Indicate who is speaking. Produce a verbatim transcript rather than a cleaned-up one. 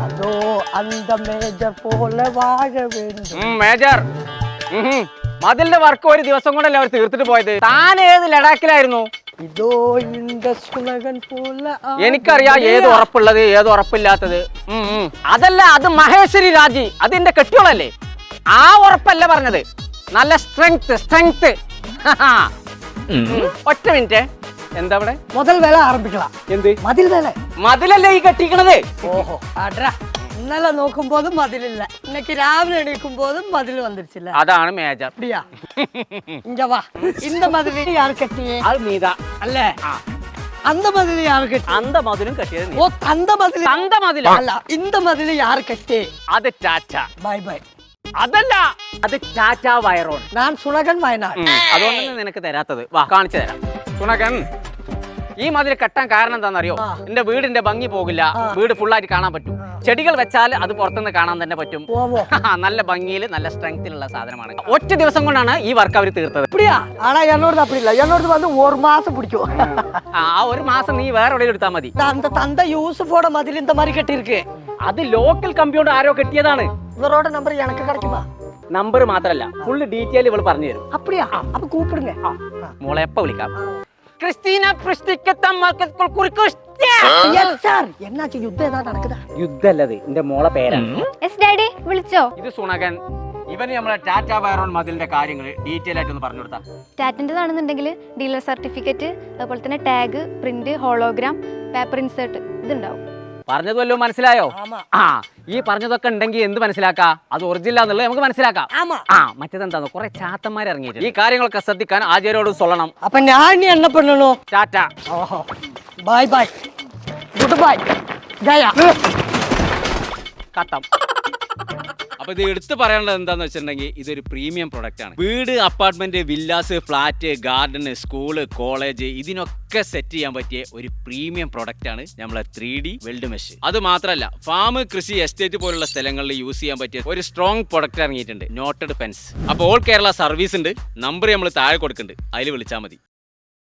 Speaker 1: അതോ അന്ത മേജർ പോലെ വാഴ വേണ്ടു.
Speaker 2: മേജർ മതിലിന്റെ വർക്ക് ഒരു ദിവസം കൊണ്ടല്ലേ അവർ തീർത്തിട്ട് പോയത്. താൻ ഏത് ലഡാക്കിലായിരുന്നു?
Speaker 1: ഇതോ ഇന്റെ സുനകൻ പോലെ.
Speaker 2: എനിക്കറിയാം ഏത് ഉറപ്പുള്ളത് ഏത് ഉറപ്പില്ലാത്തത്. അതല്ല, അത് മഹേശ്വരി രാജി, അതിന്റെ കെട്ടിയോളല്ലേ. ആ ഉറപ്പല്ല പറഞ്ഞത്, നല്ല സ്ട്രെങ്ത് സ്ട്രെങ്ത്. ഒറ്റ മിനിറ്റ്, എന്താ ഇവിടെ
Speaker 1: മുതൽ വേല ആരംഭിക്കണം.
Speaker 2: എന്ത്
Speaker 1: മതിൽ വേല?
Speaker 2: മതിലല്ലേ ഈ കെട്ടിക്കണത്.
Speaker 1: ഓഹോ അട്രാ, ഇന്നലെ നോക്കുമ്പോഴും മതിലില്ല, ഇന്നക്ക് രാവിലെ എണീക്കുമ്പോഴും മതിൽ വന്നിരിച്ചില്ല.
Speaker 2: അതാണ് മേജർ.
Speaker 1: அப்படியா? இங்க வா. இந்த மதில் யார் கட்டியே?
Speaker 2: അത് നീതാ
Speaker 1: அல்ல. அந்த மதில் யார் கட்டி?
Speaker 2: അന്ത മതിലും കെട്ടിയത് നീ.
Speaker 1: ஓ அந்த மதில்.
Speaker 2: അന്ത മതില
Speaker 1: அல்ல, இந்த மதிൽ யார் கட்டி?
Speaker 2: അത് ടാറ്റ.
Speaker 1: Bye bye.
Speaker 2: അതല്ല, അത് ടാറ്റ വയറോൺ.
Speaker 1: ഞാൻ സുനകൻ വയനാട്.
Speaker 2: അതുകൊണ്ടാണ് നിനക്ക് തരാത്തത്. വാ കാണിച്ചു തരാം. സുനകൻ, ഈ മതിൽ കെട്ടാൻ കാരണം എന്താണെന്നറിയോ? എന്റെ വീടിന്റെ ഭംഗി പോകില്ല, വീട് ഫുള്ളായിട്ട് കാണാൻ പറ്റും. ചെടികൾ വെച്ചാൽ അത് പുറത്തുനിന്ന് കാണാൻ തന്നെ പറ്റും. നല്ല ഭംഗിയിൽ നല്ല സ്ട്രെങ്തിലുള്ള സാധനമാണ്. ഒറ്റ ദിവസം കൊണ്ടാണ് ഈ വർക്ക് അവർ തീർത്തത്.
Speaker 1: அப்படியா? ஆனா என்னோடது அப்படி இல்ல, என்னோடது வந்து ஒரு மாசம் பிடிக்கும்.
Speaker 2: ആ ഒരു മാസം നീ വേറെ എവിടെയും എടുത്താൽ മതി.
Speaker 1: அந்த தந்தை யூசுஃபோட மதில் இந்த மாதிரி கட்டி இருக்கு.
Speaker 2: അത് ലോക്കൽ കമ്പ്യൂട്ടർ ആരോ കെട്ടിയതാണ്.
Speaker 1: இவரோட நம்பர் எனக்கு கிடைக்குமா?
Speaker 2: നമ്പർ മാത്രല്ല, ഫുള്ള് ഡീറ്റെയിൽ ഇവൾ പറഞ്ഞു തരും.
Speaker 1: அப்படியா? அப்ப கூப்பிடுங்க.
Speaker 2: മോളെ എപ്പ വിളിക്കാം. ക്രിസ്റ്റീന
Speaker 1: என்னாச்சு, யுத்தம் ஏதாவது நடக்குதா?
Speaker 2: യുദ്ധല്ലത്, എന്റെ മോളെ പേരാണ്.
Speaker 3: യെസ് ഡാഡി, വിളിച്ചോ?
Speaker 2: ഇത് സുണകൻ. ഇവന് നമ്മളെ ടാറ്റ വയറോൺ മതിലിന്റെ കാര്യങ്ങൾ ഡീറ്റെയിൽ ആയിട്ട് ഒന്ന് പറഞ്ഞു കൊടുത്താ.
Speaker 3: ടാറ്റൻ്റെതാണെന്നുണ്ടെങ്കിൽ ഡീലർ സർട്ടിഫിക്കറ്റ്, അതുപോലെ തന്നെ tag, print, hologram, paper insert ഇതുണ്ടാവും.
Speaker 2: പറഞ്ഞത് വല്ലതും മനസ്സിലായോ? ആ, ഈ പറഞ്ഞതൊക്കെ ഉണ്ടെങ്കിൽ എന്ത് മനസ്സിലാക്കാം? അത് ഒറിജിനൽ എന്നുള്ളത് നമുക്ക് മനസ്സിലാക്കാം. ആ, മറ്റേതെന്താന്ന് കുറെ ചാത്തന്മാർ ഇറങ്ങിയിട്ട് ഈ കാര്യങ്ങളൊക്കെ ശ്രദ്ധിക്കാൻ ആചാര്യോട് சொல்லണം.
Speaker 1: അപ്പൊ ഞാൻ என்ன பண்ணணும்?
Speaker 2: ടാറ്റ.
Speaker 1: ഓഹോ, bye bye, good bye, Jaya.
Speaker 2: കട്ടം. അപ്പൊ ഇത് എടുത്ത് പറയാനുള്ളത് എന്താന്ന് വെച്ചിട്ടുണ്ടെങ്കിൽ ഇതൊരു പ്രീമിയം പ്രൊഡക്റ്റ് ആണ്. വീട്, apartment, villas, flat, garden, school, college, ഇതിനൊക്കെ സെറ്റ് ചെയ്യാൻ പറ്റിയ ഒരു പ്രീമിയം പ്രൊഡക്റ്റ് ആണ് നമ്മളെ ത്രീ ഡി വെൽഡ് മെഷ്. അത് മാത്രമല്ല, ഫാം, കൃഷി, എസ്റ്റേറ്റ് പോലുള്ള സ്ഥലങ്ങളിൽ യൂസ് ചെയ്യാൻ പറ്റിയ ഒരു സ്ട്രോങ് പ്രൊഡക്റ്റ് ഇറങ്ങിയിട്ടുണ്ട്, നോട്ടഡ് ഫെൻസ്. അപ്പോൾ ഓൾ കേരള സർവീസ് ഉണ്ട്. നമ്പർ നമ്മൾ താഴെ കൊടുക്കുന്നുണ്ട്, അതിൽ വിളിച്ചാൽ മതി.